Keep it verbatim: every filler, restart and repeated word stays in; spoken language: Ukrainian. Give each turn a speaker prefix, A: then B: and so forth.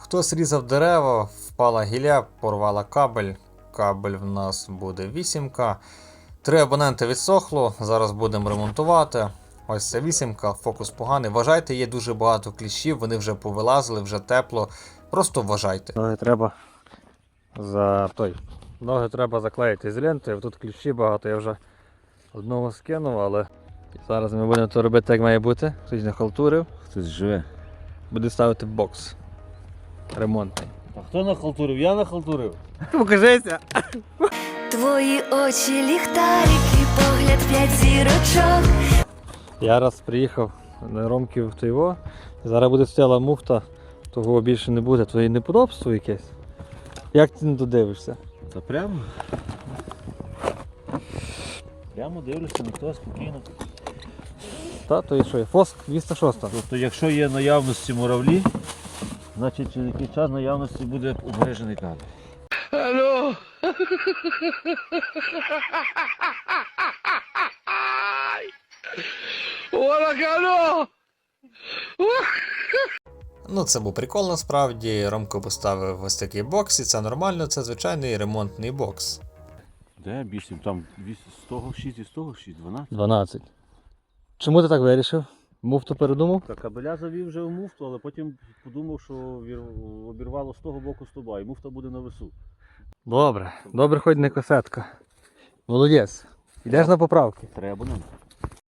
A: Хтось різав дерева, впала гілля, порвала кабель. Кабель в нас буде вісімка. Три абоненти відсохло, зараз будемо ремонтувати. Ось це вісімка, фокус поганий. Вважайте, є дуже багато кліщів, вони вже повилазили, вже тепло. Просто вважайте. Ноги треба за той. Ноги треба заклеїти з лентою. Тут кліщі багато, я вже одного скинув, але зараз ми будемо то робити, як має бути. Хтось не халтурив.
B: Хтось живе.
A: Буде ставити бокс ремонтний.
B: А хто нахалтурив? Я нахалтурив.
A: Покажися!
C: Твої очі ліхтарики, погляд п'ять зірочок.
A: Я раз приїхав на Ромків в Тойво, зараз буде стояла муфта, того більше не буде, то і неподобство якесь. Як ти не додивишся?
B: Та прямо? Прямо дивлюся, ніхто спокійно.
A: Та, то і що є? Фоск двісті шість.
B: Тобто, якщо є наявності муравлі, значить через який час наявності буде обмежений кабель.
D: Алло! Алло!
A: Ну це був прикол насправді, Ромко поставив ось такий бокс і це нормально, це звичайний ремонтний бокс.
B: Де більше? Там з того шість і з того шість, дванадцять.
A: дванадцять. Чому ти так вирішив? Муфту передумав?
B: Так, кабеля завів вже в муфту, але потім подумав, що вір- обірвало з того боку стовба і муфта буде на весу.
A: Добре, добре, хоч не косетка. Молодець. Йдеш на поправки.
B: Треба нам.